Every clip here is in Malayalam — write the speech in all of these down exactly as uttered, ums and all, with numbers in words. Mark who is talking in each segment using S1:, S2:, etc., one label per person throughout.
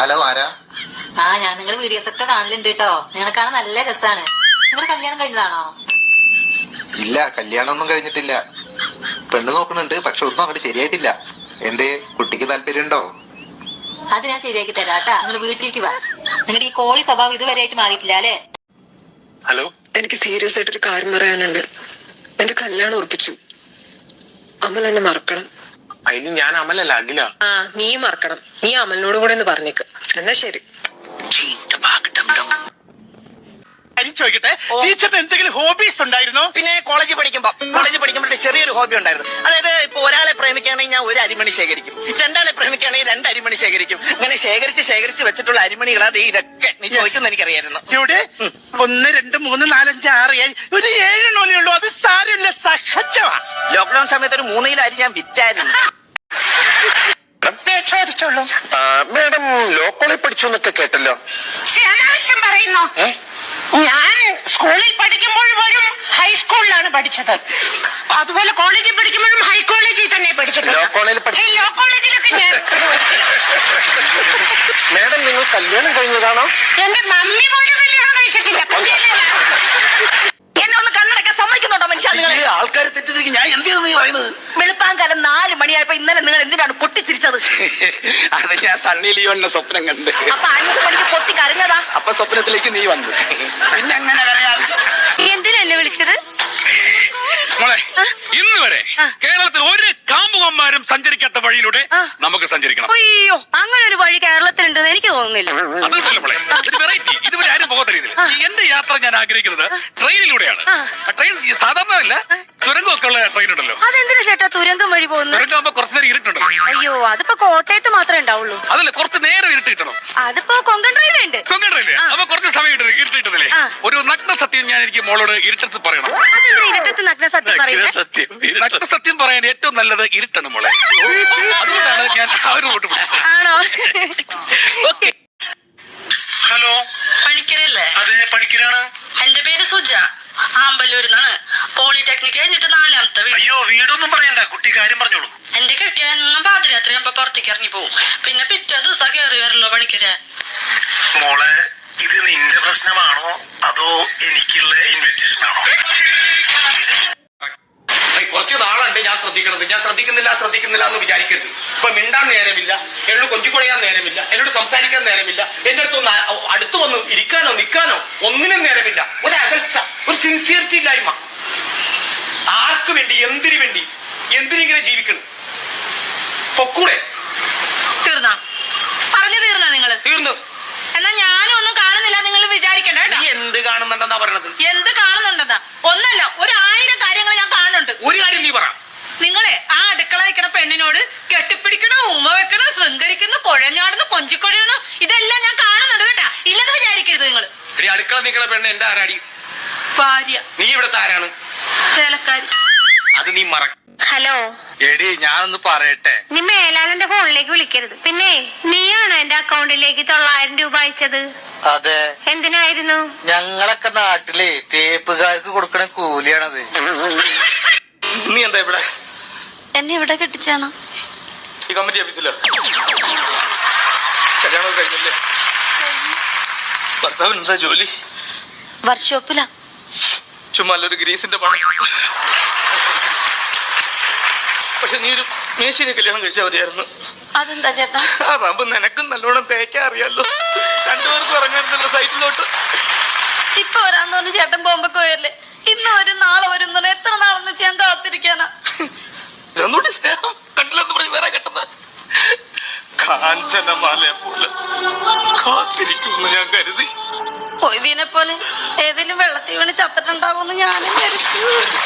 S1: ഹലോ, ആരാ?
S2: ആ ഞാൻ നിങ്ങളുടെ വീഡിയോസ് ഒക്കെ കാണലുണ്ട് കേട്ടോ. നിങ്ങളെ കാണാൻ നല്ല രസാണ്. നിങ്ങളുടെ കല്യാണം കഴിഞ്ഞതാണോ?
S1: ഇല്ല, കല്യാണം ഒന്നും കഴിഞ്ഞിട്ടില്ല. പെണ്ണ് നോക്കുന്നുണ്ട്, പക്ഷെ ഒന്നും അങ്ങോട്ട് ശരിയായിട്ടില്ല. എന്തേ, കുട്ടിക്ക് താല്പര്യമുണ്ടോ?
S2: അത് ഞാൻ ശരിയാക്കി തരാം കേട്ടാ. നിങ്ങൾ വീട്ടിലേക്ക് വാ. നിങ്ങളുടെ ഈ കോഴി സ്വഭാവം ഇതുവരെ ആയിട്ട് മാറിയിട്ടില്ല അല്ലേ?
S3: ഹലോ, എനിക്ക് സീരിയസ് ആയിട്ടൊരു കാര്യം പറയാനുണ്ട്. എന്റെ കല്യാണം ഉറപ്പിച്ചു. അമൽ എന്നെ മറക്കണം.
S4: അതിന് ഞാൻ അമലല്ല, അഖില.
S3: ആ, നീ മറക്കണം. നീ അമലിനോട് കൂടെ ഒന്ന് പറഞ്ഞേക്ക്. എന്നാ ശരി.
S5: ചോദിക്കട്ടെ, ടീച്ചറിന് എന്തെങ്കിലും ഹോബീസ് ഉണ്ടായിരുന്നോ?
S6: പിന്നെ കോളേജിൽ പഠിക്കുമ്പോ കോളേജിൽ പഠിക്കുമ്പോഴത്തെ ചെറിയൊരു ഹോബി ഉണ്ടായിരുന്നു. അതായത് ഇപ്പൊ ഒരാളെ പ്രേമിക്കുകയാണെങ്കിൽ ഞാൻ ഒരു അരിമണി ശേഖരിക്കും, രണ്ടാളെ പ്രേമിക്കുകയാണെങ്കിൽ രണ്ട് അരിമണി ശേഖരിക്കും. അങ്ങനെ ശേഖരിച്ച് ശേഖരിച്ച് വെച്ചിട്ടുള്ള അരിമണികൾ അത് ഇതൊക്കെ നീ ചോദിക്കുന്ന എനിക്കറിയായിരുന്നു.
S5: ഇവിടെ ഒന്ന് രണ്ട് മൂന്ന് നാലഞ്ച് ആറ് ഏഴ് ഒരു ഏഴെണ്ണേ ഉള്ളൂ. അത് സാരമില്ല, സഹജമാ.
S6: ലോക്ക്ഡൌൺ സമയത്ത് ഒരു മൂന്ന് കിലോ അരി ഞാൻ വിറ്റായിരുന്നു.
S5: ചോദിച്ചോളൂ.
S4: മേഡം ലോ കോളേജിൽ പഠിച്ചു എന്നൊക്കെ കേട്ടല്ലോ.
S5: അനാവശ്യം പറയുന്നു. ഞാൻ സ്കൂളിൽ പഠിക്കുമ്പോൾ പോലും ഹൈസ്കൂളിലാണ് പഠിച്ചത്. അതുപോലെ കോളേജിൽ പഠിക്കുമ്പോഴും ഹൈ കോളേജിൽ തന്നെ പഠിച്ചിട്ടുണ്ട്.
S4: ലോ കോളേജിൽ പഠി-
S5: ലോ കോളേജിലൊക്കെ ഞാൻ.
S4: മേഡം നിങ്ങൾ കല്യാണം കഴിഞ്ഞതാണോ?
S5: എന്റെ മമ്മി പോലും കല്യാണം കഴിച്ചിട്ടില്ല.
S7: എന്നെ ഒന്ന് കണ്ണടക്കാൻ സമ്മതിക്കുന്നുണ്ടോ മനുഷ്യ? നിങ്ങൾ
S6: ആൾക്കാരെ തെറ്റിദ്ധരിക്കും. ഞാൻ എന്തിനാ നീ പറയുന്നത്?
S7: വെളുപ്പാങ്കാലം നാല് മണിയായപ്പോ ഇന്നലെ നിങ്ങൾ എന്തിനാണ് പൊട്ടിച്ചിരിച്ചത്?
S6: അത് ഞാൻ സണ്ണി ലിയോണിനെ സ്വപ്നം കണ്ട്.
S7: അപ്പൊ അഞ്ചു മണിക്ക് പൊട്ടി കരഞ്ഞതാ.
S6: അപ്പൊ സ്വപ്നത്തിലേക്ക് നീ വന്നു. പിന്നെ എങ്ങനെ കരയാതെ?
S7: എന്തിനാ എന്നെ വിളിച്ചത്?
S8: മോളെ, ഇന്ന് വരെ കേരളത്തിൽ ഒരു കാമുകന്മാരും സഞ്ചരിക്കാത്ത വഴിയിലൂടെ നമുക്ക് സഞ്ചരിക്കണം.
S7: അയ്യോ, അങ്ങനെ ഒരു വഴി കേരളത്തിലുണ്ടെന്ന് എനിക്ക് തോന്നുന്നില്ല.
S8: അതുകൊണ്ടല്ലേ മോളെ, ഒരു വെറൈറ്റി. ഇതുവരെ ആരും പോകാത്ത രീതിയിൽ എന്റെ യാത്ര ഞാൻ ആഗ്രഹിക്കുന്നത് ട്രെയിനിലൂടെയാണ്. ട്രെയിൻ സാധാരണ അല്ല, തുരങ്കമൊക്കെ ഉള്ള ട്രെയിൻ ഉണ്ടല്ലോ.
S7: അതെന്തിനാ ചേട്ടാ തുരങ്കം വഴി പോകുന്നത്?
S8: തുരങ്കമാകുമ്പോ കുറച്ചു നേരം ഇരുട്ടുണ്ടല്ലോ.
S7: അയ്യോ, അതിപ്പോ കോട്ടയത്ത് മാത്രമേ ഉണ്ടാവുള്ളൂ.
S8: അതല്ല, കുറച്ച് നേരം ഇരുട്ട് കിട്ടണം.
S7: അതിപ്പോ കൊങ്കൺ റെയിൽവേ ഉണ്ട്.
S8: കൊങ്കൺ റെയിൽവേ അപ്പൊ കുറച്ച് സമയം ഇരുട്ട് കിട്ടുന്നില്ലേ? ഒരു നഗ്ന സത്യം ഞാൻ എനിക്ക് മോളോട് ഇരുട്ടത്ത് പറയണം.
S7: അതെന്താ ഇരുട്ടത്ത് നഗ്ന സത്യം പറയുന്നത്?
S8: നഗ്ന സത്യം പറയാൻ ഏറ്റവും നല്ലത് ഇരുട്ടാണ് മോളെ. അതുകൊണ്ടാണ് ഞാൻ ആ ഒരു വോട്ട് പിടിച്ചത്.
S7: ആണോ?
S8: ഓക്കെ.
S5: ഹലോ,
S7: പണിക്കരല്ലേ?
S5: അതെ, പണിക്കരാണ്.
S7: എന്റെ പേര് സുജ, ആമ്പല്ലൂരിന്നാണ്. പോളിടെക്നിക് കഴിഞ്ഞിട്ട് നാലാമത്തെ വീട്.
S5: അയ്യോ, വീടൊന്നും പറയണ്ട, കുട്ടി കാര്യം പറഞ്ഞോളൂ.
S7: എന്റെ കെട്ടിയ എന്നും പാതിരാത്രി ആകുമ്പോ പുറത്തേക്ക് ഇറങ്ങി പോവും. പിന്നെ പിറ്റേ ദിവസം കയറി വരല്ലോ പണിക്കര.
S5: മോളെ, ഇത് നിന്റെ പ്രശ്നമാണോ അതോ എനിക്കുള്ള ഇൻവിറ്റേഷൻ ആണോ?
S4: കുറച്ച് നാളുണ്ട് ഞാൻ ശ്രദ്ധിക്കണത്. ഞാൻ ശ്രദ്ധിക്കുന്നില്ല ശ്രദ്ധിക്കുന്നില്ല എന്ന് വിചാരിക്കരുത്. ഇപ്പൊ മിണ്ടാൻ നേരമില്ല, എന്നോട് കൊഞ്ചിക്കൊടയാൻ നേരമില്ല, എന്നോട് സംസാരിക്കാൻ നേരമില്ല, എന്റെ അടുത്ത് ഒന്ന് അടുത്ത് വന്ന് ഇരിക്കാനോ നിൽക്കാനോ ഒന്നിനും നേരമില്ല. ഒരു അകൽച്ച, ഒരു സിൻസിയറിറ്റി ഇല്ലായ്മ. ആർക്ക് വേണ്ടി, എന്തിനു വേണ്ടി, എന്തിനിങ്ങനെ ജീവിക്കണം? പൊക്കൂടെ?
S7: തീർന്നാ പറഞ്ഞു തീർന്നാ നിങ്ങള്?
S4: തീർന്നു.
S7: എന്നാ ഞാനും ഒന്നും കാണുന്നില്ല നിങ്ങൾ വിചാരിക്കണ്ട.
S4: നീ എന്ത് കാണുന്നുണ്ടെന്നാ പറയണത്?
S7: എന്ത് കാണുന്നുണ്ടെന്നാ? ഒന്നല്ല, ഒരു ആയിരം കാര്യങ്ങൾ ഞാൻ കാണുന്നുണ്ട്.
S4: ഒരു കാര്യം നീ പറ.
S7: നിങ്ങളെ ആ അടുക്കള വയ്ക്കണ പെണ്ണിനോട് കെട്ടിപ്പിടിക്കണോ, ഉമ്മ വെക്കണോ, ശൃംഗരിക്കുന്നു, കുഴഞ്ഞാടുന്നു, കൊഞ്ചിക്കൊഴയണോ, ഇതെല്ലാം ഞാൻ കാണുന്നുണ്ട് കേട്ടാ. ഇല്ലെന്ന് വിചാരിക്കരുത് നിങ്ങൾ.
S4: എടി, അടുക്കള നിൽക്കണ പെണ്ണ് എന്റെ ആരാടി?
S7: ഭാര്യ.
S4: നീ ഇവിടുത്തെ ആരാണ്?
S7: ചേലക്കാരി.
S4: അത് നീ മറ.
S9: ഹലോ
S4: എടി, ഞാനൊന്ന് പറയട്ടെ.
S9: നീ മേലാലന്റെ ഫോണിലേക്ക് വിളിക്കരുത്. പിന്നെ നീയാണോ എന്റെ അക്കൗണ്ടിലേക്ക് തൊള്ളായിരം രൂപ അയച്ചത്?
S6: അതെ.
S9: എന്തിനായിരുന്നു?
S6: ഞങ്ങളൊക്കെ നാട്ടിലെ തേപ്പുകാർക്ക് കൊടുക്കണ കൂലിയാണത്. നീ എന്താ ഇവിടെ?
S7: എന്നെ ഇവിടെ കെട്ടിച്ചാണ്.
S4: ഈ കമ്മിറ്റി ഓഫീസിലോ? കല്യാണം കഴിഞ്ഞില്ലേ? ഭർത്താവിന് എന്താ ജോലി?
S7: വർക്ക്ഷോപ്പിലാ.
S4: ചുമ്മാ ഒരു ഗ്രീസിന്റെ പണം. പക്ഷെ നീ ഒരു മേശിനെ കല്യാണം കഴിച്ചാൽ മതിയായിരുന്നു.
S7: അതെന്താ ചേട്ടാ?
S4: അതാകുമ്പോ നിനക്കും നല്ലോണം തേക്കാൻ അറിയാലോ. രണ്ടുപേർക്കും ഇറങ്ങാറുണ്ടല്ലോ സൈറ്റിലോട്ട്.
S7: ഇപ്പൊ വരാന്ന് പറഞ്ഞ് ചേട്ടൻ ബോംബൊക്കെ വരില്ലേ? ഇന്ന് വരും നാളെ വരും എന്ന് പറഞ്ഞാൽ എത്ര നാളെന്ന് വെച്ച് ഞാൻ കാത്തിരിക്കാനാ?
S4: ഒന്നുകൂടി സ്നേഹം കണ്ടില്ലെന്ന് പറഞ്ഞ് വേറെ കെട്ടുന്നത്. കാഞ്ചനമാലയെ പോലെ കാത്തിരിക്കുമെന്ന് ഞാൻ കരുതി.
S7: പൊയ്തീനെ പോലെ ഏതെങ്കിലും വെള്ളത്തിൽ വീണ് ചത്തിട്ടുണ്ടാവുമെന്ന് ഞാനും കരുതി.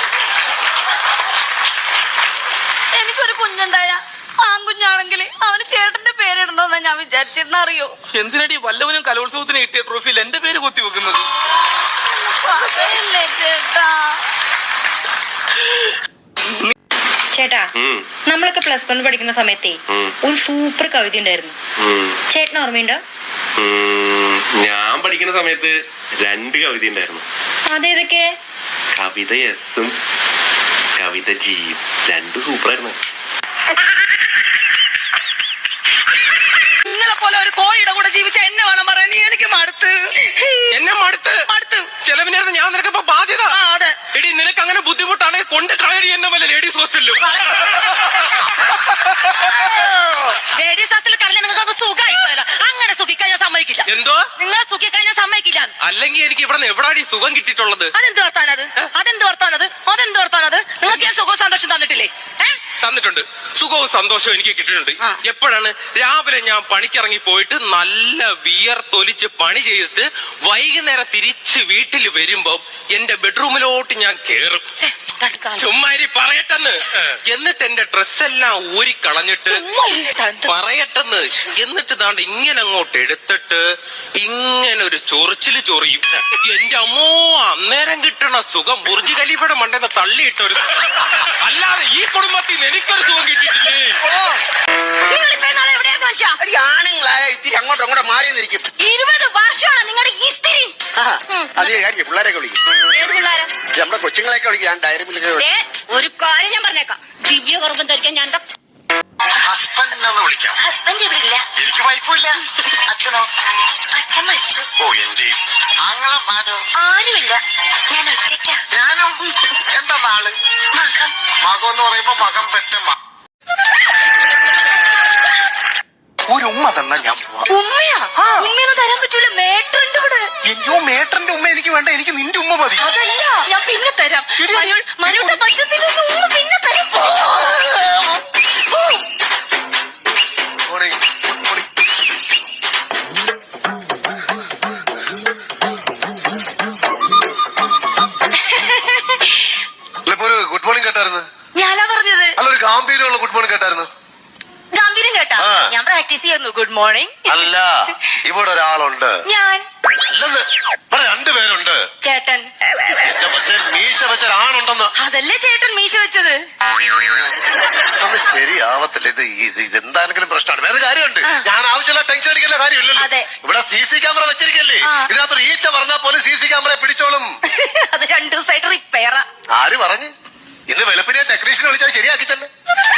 S7: എനിക്കൊരു കുഞ്ഞുണ്ടായ ആൺകുഞ്ഞാണെങ്കിൽ അവന് ചേട്ടന്റെ പേരിടണമെന്നാ ഞാൻ വിചാരിച്ചിരുന്ന. അറിയോ
S4: എന്തിനടി വല്ലവനും കലോത്സവത്തിന് കിട്ടിയ ട്രോഫിയിൽ എന്റെ പേര് കുത്തി വെക്കുന്നത്?
S7: പറയല്ലേ ചേട്ടാ.
S9: ചേട്ടാ, നമ്മളൊക്കെ പ്ലസ് വൺ പഠിക്കുന്ന സമയത്തേ ഒരു സൂപ്പർ കവിത ഉണ്ടായിരുന്നു. ചേട്ടന് ഓർമ്മയുണ്ടോ?
S8: ഞാൻ പഠിക്കുന്ന സമയത്ത് രണ്ട് കവിത ഉണ്ടായിരുന്നു.
S9: അതേതൊക്കെ?
S8: കവിത എസും കവിത ജിയും. രണ്ട് സൂപ്പറായിരുന്നു.
S7: നിങ്ങളെ പോലെ
S6: പോലെ ഒരു കോഴിയുടെ കൂടെ ജീവിച്ച എന്നെ വേണം പറയാൻ. നീ എനിക്ക് മടുത്ത്
S4: എന്നെ മടുത്ത്
S6: മടുത്ത്
S4: ചെലവിനായിരുന്നു ഞാൻ നിനക്കിപ്പോ ബാധ്യത.
S6: ആ അതെ.
S4: എടി നിനക്ക് അങ്ങനെ ബുദ്ധിമുട്ടാണെങ്കിൽ കൊണ്ട് കളയടി എന്നെ വല്ല ലേഡീസ് ഹോസ്റ്റലിലും.
S7: ലേഡീസ് ഹോസ്റ്റലിൽ കളഞ്ഞ നിങ്ങൾക്ക് സുഖമായി പോയല്ലോ. അങ്ങനെ സുഖിക്കാൻ ഞാൻ സമ്മതിക്കില്ല.
S4: എന്തോ
S7: നിങ്ങൾ സുഖിക്കാൻ ഞാൻ സമ്മതിക്കില്ല.
S4: അല്ലെങ്കിൽ എനിക്ക് ഇവിടെ എവിടാടി സുഖം കിട്ടിയിട്ടുള്ളത്?
S7: അതെന്ത് വർത്താനത്? അതെന്ത് വർത്താനത്? അതെന്ത് വർത്താനത്? നിങ്ങൾക്ക് ഞാൻ സുഖവും സന്തോഷം തന്നിട്ടില്ലേ?
S4: തന്നിട്ടുണ്ട്. സുഖവും സന്തോഷവും എനിക്ക് കിട്ടിയിട്ടുണ്ട്. എപ്പോഴാണ്? രാവിലെ ഞാൻ പണിക്കിറങ്ങി പോയിട്ട് നല്ല വിയർത്തൊലിച്ച് പണി ചെയ്തിട്ട് വൈകുന്നേരം തിരിച്ച് വീട്ടിൽ വരുമ്പോ എന്റെ ബെഡ്റൂമിലോട്ട് ഞാൻ കേറും. ചുമ്മാരി പറയട്ടെന്ന്. എന്നിട്ട് എന്റെ ഡ്രസ്സെല്ലാം ഊരിക്കളഞ്ഞിട്ട് പറയട്ടെന്ന്. എന്നിട്ട് ദാണ്ട് ഇങ്ങനെ അങ്ങോട്ട് എടുത്തിട്ട് ഇങ്ങനെ ഒരു ചൊറിച്ചില് ചൊറിയും. എന്റെ അമ്മോ, അന്നേരം കിട്ടണ സുഖം ബുർജ് ഖലീഫയുടെ മണ്ടെന്ന് തള്ളിയിട്ടൊരു. അല്ലാതെ ഈ കുടുംബത്തിൽ നിന്ന് എനിക്കൊരു സുഖം കിട്ടിയിട്ടില്ലേ?
S6: ആണുങ്ങളായ ഇത്തിരി അങ്ങോട്ടും അങ്ങോട്ടും മാറി നിന്നിരിക്കും.
S7: ഇരുപത് വർഷമാണ് നിങ്ങളുടെ ഇത്തിരി.
S6: അത് കാര്യം പിള്ളേരൊക്കെ വിളിക്കും. നമ്മുടെ കൊച്ചുങ്ങളെയൊക്കെ വിളിക്കും. ഞാൻ ഡയറി മിൽക്ക്
S7: ഒരു കാര്യം ഞാൻ പറഞ്ഞേക്കാം. ദിവ്യ ഗർഭം ധരിക്കാൻ ഞാൻ
S1: ഹസ്ബൻഡിനൊന്ന് വിളിക്കാം.
S7: ഹസ്ബൻഡ് ഇവിടെ ഇല്ല.
S1: എനിക്ക് വൈഫുമില്ല. അച്ഛനോ?
S7: അച്ഛൻ മരിച്ചു.
S1: ഓ എന്റെ ആങ്ങളും ആരോ?
S7: ആരുമില്ല, ഞാൻ ഒറ്റയ്ക്കാ.
S1: ഞാനും. എന്താ നാള്?
S7: മകം.
S1: മകം എന്ന് പറയുമ്പോ മകം പെറ്റമ്മ. ഒരു ഉമ്മ തന്നാ ഞാൻ പോവാം.
S7: ഉമ്മയാ? ഉമ്മയൊന്നും തരാൻ പറ്റൂല. മേട്ടറിന്റെ കൂടെ.
S1: എന്തോ മേട്ടറിന്റെ ഉമ്മ എനിക്ക് വേണ്ട. എനിക്ക് നിന്റെ ഉമ്മ മതി.
S7: അതല്ല, ഞാൻ പിന്നെ തരാം. മനുയുടെ പച്ചത്തിന്റെ ഉമ്മ പിന്നെ തരാം.
S1: ഓടി, ഓടി. ഒരു ഗുഡ് മോർണിംഗ് കേട്ടായിരുന്നു.
S7: ഞാനാ പറഞ്ഞത്.
S1: അല്ല, ഒരു ഗാംഭീര്യമുള്ള ഗുഡ് മോർണിംഗ് കേട്ടായിരുന്നു.
S7: ഗംഭീരം കേട്ടാ? ഞാൻ പ്രാക്ടീസ് ചെയ്യുന്നു. Good morning.
S1: അല്ല, ഇവിടെ ഒരാളുണ്ട്.
S7: ഞാൻ.
S1: അല്ലെന്ന്, ഇവിടെ രണ്ടുപേരുണ്ട്.
S7: ചേട്ടൻ.
S1: എന്റെ കൊച്ചൻ മീശ വെച്ച ഒരാണുണ്ടെന്ന്.
S7: അതല്ലേ ചേട്ടൻ മീശ വെച്ചത്.
S1: അത് ശരിയാവത്തില്ല. ഇത് ഇത് ഇതെന്താണെങ്കിലും പ്രശ്നമാണ്. വേറെ കാര്യമുണ്ട്. ഞാൻ ആവശ്യമില്ല ടെൻഷൻ അടിക്കേണ്ട കാര്യമില്ലല്ലോ.
S7: അതെ.
S1: ഇവിടെ സി സി ക്യാമറ വെച്ചിരിക്കല്ലേ? ഇതിനകത്തൊരു ഈച്ച പറഞ്ഞാൽ പോലും സി സി ക്യാമറ പിടിച്ചോളും.
S7: അത് രണ്ടു ദിവസമായിട്ട് റിപ്പയറാ.
S1: ആര് പറഞ്ഞു? ഇന്ന് വെളുപ്പിനെ ടെക്നീഷ്യൻ വിളിച്ചാൽ ശരിയാക്കി തന്നെ.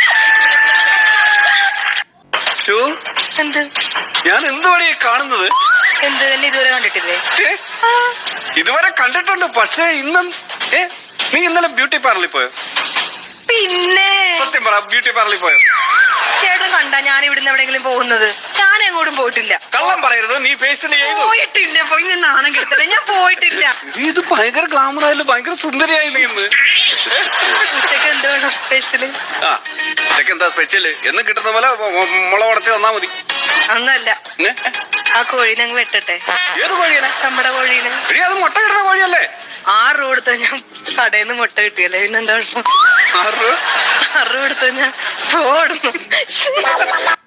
S7: എന്ത്?
S8: ഞാൻ എന്തുവാണ് ഈ കാണുന്നത്?
S7: എന്ത് തന്നെ ഇതുവരെ കണ്ടിട്ടില്ലേ?
S8: ഇതുവരെ കണ്ടിട്ടുണ്ട്, പക്ഷേ ഇന്നും ഏ നീ ഇന്നലെ ബ്യൂട്ടി പാർലറിൽ പോയോ?
S7: പിന്നെ
S8: സത്യം പറ, ബ്യൂട്ടി പാർലറിൽ പോയോ?
S7: ചേട്ടൻ കണ്ടാ ഞാൻ ഇവിടുന്ന് എവിടെയെങ്കിലും പോകുന്നത്? ഞാൻ എങ്ങോട്ടും പോയിട്ടില്ല.
S8: കള്ളം പറയരുത്. നീ ഫേഷ്യൽ ചെയ്തു?
S7: പോയിട്ടില്ല. പോയി ഞാൻ നാണം കിടത്തില്ല. ഞാൻ പോയിട്ടില്ല.
S8: ഇത് ഭയങ്കര ഗ്ലാമർ ആയാലും ഭയങ്കര സുന്ദരിയായില്ലേ ഇന്ന്?
S7: ഉച്ചക്ക് എന്ത് വേണം സ്പെഷ്യല്?
S8: ആ ഉച്ചക്ക് എന്താ സ്പെഷ്യല്? എന്ന് കിട്ടുന്ന പോലെ മുളക് ഉടച്ച് തന്നാ മതി.
S7: ഒന്നല്ല, ആ കോഴീനെ അങ്ങ് വെട്ടട്ടെ.
S8: ഏത് കോഴിയനെ?
S7: നമ്മുടെ കോഴീനെ.
S8: എടി, അത് മുട്ട കിട്ടുന്ന കോഴിയല്ലേ?
S7: ആറ് രൂപ കൊടുത്താ ഞാൻ കടയിൽ നിന്ന് മുട്ട കിട്ടിയല്ലേ, പിന്നെന്താ?
S8: ആറ് രൂപ
S7: ആറ് രൂപ കൊടുത്താ ഞാൻ ഓടുന്നു.